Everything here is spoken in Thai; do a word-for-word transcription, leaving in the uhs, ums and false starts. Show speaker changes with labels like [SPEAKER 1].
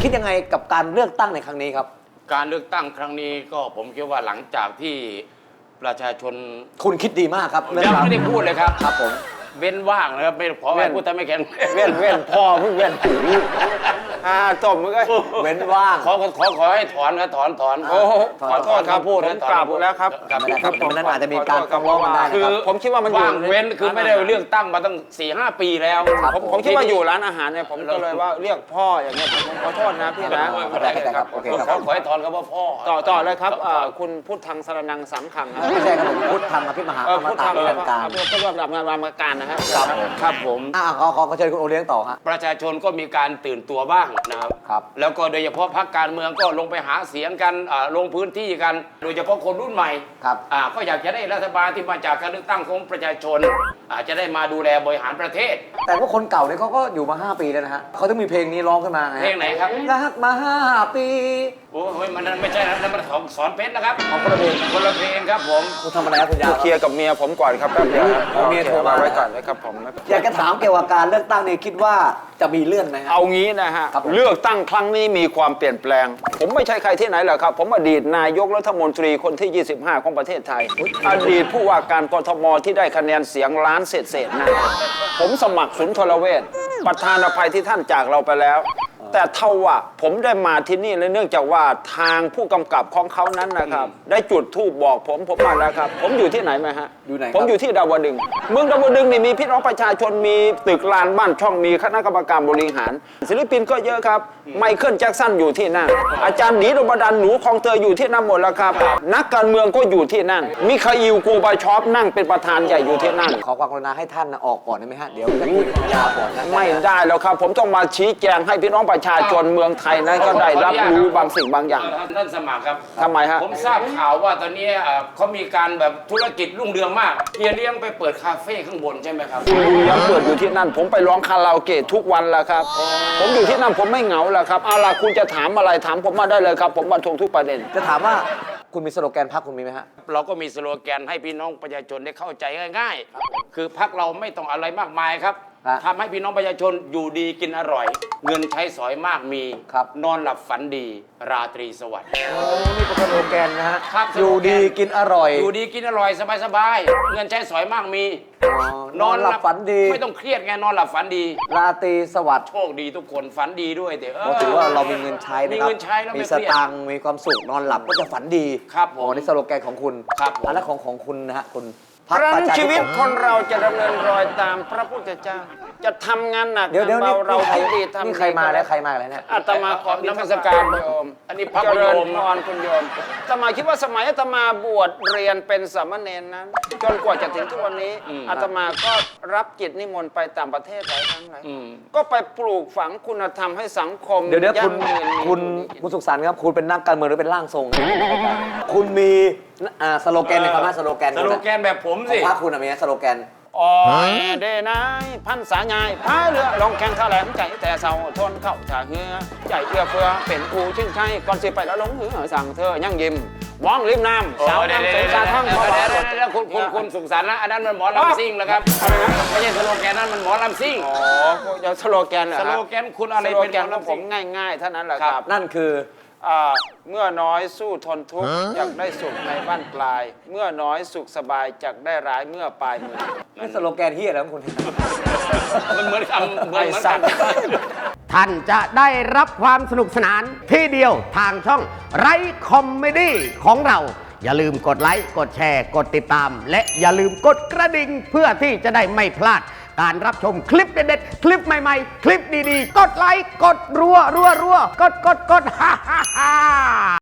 [SPEAKER 1] คิดยังไงกับการเลือกตั้งในครั้งนี้ครับ
[SPEAKER 2] การเลือกตั้งครั้งนี้ก็ผมคิดว่าหลังจากที่ประชาชน
[SPEAKER 1] คุณคิดดีมากครับ
[SPEAKER 2] ยังไม่ได้พูดเลยครับ
[SPEAKER 1] ครับผม
[SPEAKER 2] เว้นว่างนะครับไม่ขอให้พูดแต่ไม่แข็ง
[SPEAKER 1] เว้นเว้นพ่อเพิ่งเว้น
[SPEAKER 3] อ่าจบมึงก็
[SPEAKER 1] เว้นว่าง
[SPEAKER 2] ขอขอขอให้ถอนครับถอนถอน
[SPEAKER 3] โอ้ขอโทษครับพูดผมกราบแล้วครับ
[SPEAKER 1] ไม่ได้ครับผมนั้นอาจจะมีการฟ้องกันได้
[SPEAKER 3] คือผมคิดว่ามัน
[SPEAKER 2] ว่างเว้นคือไม่ได้เลือกตั้งมาตั้งสี่ห้าปีแล้ว
[SPEAKER 3] ผมผมคิดว่าอยู่ร้านอาหารเนี่ยผมก็เลยว่าเรียกพ่ออย่างเงี้ยผมขอโทษนะพี่นะ
[SPEAKER 1] ครับโอเคครับ
[SPEAKER 2] ขอให้ถอนคำว่าพ่อ
[SPEAKER 3] ต่อต่อเลยครับคุณพูดทางสรนังสามคำ
[SPEAKER 1] ไม่ใช่ครับผมพูดทางอภิมหาอมตะนิรันดร์การ
[SPEAKER 3] ก็ว่าแบบงานรามการนะฮะ
[SPEAKER 2] ครับผม
[SPEAKER 1] อ่าขอขอเชิญคุณโอเลี้ยงต่อฮะ
[SPEAKER 2] ประชาชนก็มีการตื่นตัวบ้างนะครับ
[SPEAKER 1] ครับ
[SPEAKER 2] แล้วก็โดยเฉพาะพรรคการเมืองก็ลงไปหาเสียงกันลงพื้นที่กันโดยเฉพาะคนรุ่นใหม่
[SPEAKER 1] ครับ
[SPEAKER 2] อ่าก็อยากจะได้รัฐบาลที่มาจากการเลือกตั้งของประชาชนอาจจะได้มาดูแลบริหารประเทศ
[SPEAKER 1] แต่ว่าคนเก่าเนี่ยเขาก็อยู่มาห้าปีแล้วนะฮะเขาต้องมีเพลงนี้ร้องขึ้นมา
[SPEAKER 2] เพลงไหนครับ
[SPEAKER 1] รักมาห้าปี
[SPEAKER 2] โอ้ยมันไม่ใช่นะมันของสอนเพชรนะครับ
[SPEAKER 1] ของคนละเพลง
[SPEAKER 2] คนละเพลงครับผม
[SPEAKER 1] คุณทำอะไรครับคุณยา
[SPEAKER 3] เคลียร์กับเมียผมก่อนครับแป๊บเดียว
[SPEAKER 1] เมียโทรมา
[SPEAKER 3] ไว้ก่อนเลยครับผม
[SPEAKER 1] อยากจะถามเกี่ยวกับการเลือกตั้งนี่คิดว่าจะมีเลื่อนไหม
[SPEAKER 3] เอางี้นะฮะเลือกตั้งครั้งนี้มีความเปลี่ยนแปลงผมไม่ใช่ใครที่ไหนหรอกครับผมอดีตนายกรัฐมนตรีคนที่ยี่สิบห้าของประเทศไทยอดีตผู้ว่าการกทมที่ได้คะแนนเสียงล้านเศษๆนะผมสมัครสุนทรเวชประธานอภัยที่ท่านจากเราไปแล้วแต่เท่าว่าผมได้มาที่นี่เนื่องจากว่าทางผู้กำกับของเขานั้นนะครับได้จุดธูปบอกผมผมมาแล้วครับผมอยู่ที่ไหนไหมฮะ
[SPEAKER 1] อยู่ไหน
[SPEAKER 3] ผมอยู่ที่ดาวดึงเมืองดาวดึงนี่มีพี่น้องประชาชนมีตึกลานบ้านช่องมีคณะกรรมการบริหารศิลปินก็เยอะครับไมเคิลแจ็คสันอยู่ที่นั่นอาจารย์หนีดมดันหนูคองเตยอยู่ที่นั่นหมดแล้วครับนักการเมืองก็อยู่ที่นั่นมิคาอิลโกบาชอฟนั่งเป็นประธานใหญ่อยู่ที่นั่น
[SPEAKER 1] ขอความกรุณาให้ท่านออกก่อนได้ไหมฮะเดี๋ยวจะคุยยาวก่อน
[SPEAKER 3] ไม่ได้แล้วครับผมต้องมาชี้แจงให้พี่น้องประชาชนเมืองไทยนั้นก็ได้รับรู้บางสิ่งบางอย่าง
[SPEAKER 2] ท่านสมัครครับ
[SPEAKER 3] ทำไมฮะ
[SPEAKER 2] ผมทราบข่าวว่าตอนนี้เขามีการแบบธุรกิจรุ่งเรืองมากเฮียเลี้ยงไปเปิดคาเฟ่ข้างบนใช่ไหมครับ
[SPEAKER 3] คุณลุงยังเปิดอยู่ที่นั่นผมไปร้องคาราโอเกะทุกวันแล้วครับผมอยู่ที่นั่นผมไม่เหงาแล้วครับเอาล่ะคุณจะถามอะไรถามผมมาได้เลยครับผมบรรทงทุกประเด็น
[SPEAKER 1] จะถามว่าคุณมีสโลแกนพรรคคุณมีไหมฮะ
[SPEAKER 2] เราก็มีสโลแกนให้พี่น้องประชาชนได้เข้าใจง่ายๆคือพรรคเราไม่ต้องอะไรมากมายครับทำให้พี่น้องประชาชนอยู่ดีกินอร่อยเงินใช้สอยมากมีนอนหลับฝันดีราตรีสวัสดิ์
[SPEAKER 1] โอ้นี่เป็นสโลแกนนะฮะอยู่ดีกินอร่อย
[SPEAKER 2] อยู่ดีกินอร่อยสบายๆเงินใช้สอยมากมี
[SPEAKER 1] นอนหลับฝันดี
[SPEAKER 2] ไม่ต้องเครียดไงนอนหลับฝันดี
[SPEAKER 1] ราตรีสวัสดิ์
[SPEAKER 2] โชคดีทุกคนฝันดีด้วยเถอะ
[SPEAKER 1] ถือว่าเรามีเงินใช้
[SPEAKER 2] มีเงินใช้แล้ว
[SPEAKER 1] มีสตังค์มีความสุขนอนหลับก็จะฝันดี
[SPEAKER 2] ครับผม
[SPEAKER 1] นี่สโลแกนของคุณ
[SPEAKER 2] ครับ
[SPEAKER 1] แล้วของของคุณนะฮะคุณ
[SPEAKER 3] ครั้งชีวิตคนเราจะดำเนินรอยตามพระพุทธเจ้าจะทำงานหนัก
[SPEAKER 1] เดี๋ยวเดี๋ยว
[SPEAKER 3] เราเราคิดดีทำ
[SPEAKER 1] นี่ใครมาแล้วใครมาแล้วเนี่ย
[SPEAKER 3] อาตมาขอนมัสการโยมอันนี้พระโยมพรคุณโยมอาตมาคิดว่าสมัยอาตมาบวชเรียนเป็นสามเณรนั้นจนกว่าจะถึงทุกวันนี้อาตมาก็รับกิจนิมนต์ไปต่างประเทศหลายครั้งหลายก็ไปปลูกฝังคุณธรรมให้สังคม
[SPEAKER 1] เดี๋ยวเดี๋ยวคุณคุณคุณสุขสันต์ครับคุณเป็นนักการเมืองหรือเป็นร่างทรงคุณมีสโลแกนในคำว่าสโลแกน
[SPEAKER 2] สโลแกนแบบผมสิ
[SPEAKER 1] พรรคคุณมีสโลแกน
[SPEAKER 3] อ๋อเดนายพันสายายพายเรือลงแข่งแถลงใจแต่เศร้าทนเข้าชาเหือใจเอื้อเฟื้อเป็นกูชื่นใจก่อนสิไปแล้วลงเหือสั่งเธอยั่งยิ้มมองริมน้ำสาวน้ำสงสารทั้งหมด
[SPEAKER 2] แล้วคุณคุณคุณสุขสันต์นะอันนั้นมันหมอลำซิ่งแล้วครับไม่ใช่สโลแกนนั้นมันหมอลำซิ่ง
[SPEAKER 3] อ๋อเดี๋ยวสโลแกนเหรอ
[SPEAKER 2] สโลแกนคุณอะไรเป็น
[SPEAKER 3] สโลแกนผมง่ายๆเท่านั้นแหละครับ
[SPEAKER 1] นั่นคือ
[SPEAKER 3] เมื่อน้อยสู้ทนทุกข์อยากได้สุขในบ้านปลายเมื่อน้อยสุขสบายจักได้ร้ายเมื่อปลายมือ
[SPEAKER 1] นี่สโลแกนเฮียแล้วคุณ
[SPEAKER 2] มันเหมือนคำเหมือนกัน
[SPEAKER 4] ท่านจะได้รับความสนุกสนานที่เดียวทางช่องไรคอมเมดี้ของเราอย่าลืมกดไลค์กดแชร์กดติดตามและอย่าลืมกดกระดิ่งเพื่อที่จะได้ไม่พลาดการรับชมคลิปเด็ดๆคลิปใหม่ๆคลิปดีๆกดไลค์กดรัวรัวรัวกดกดกดฮ่าฮ่าฮ่า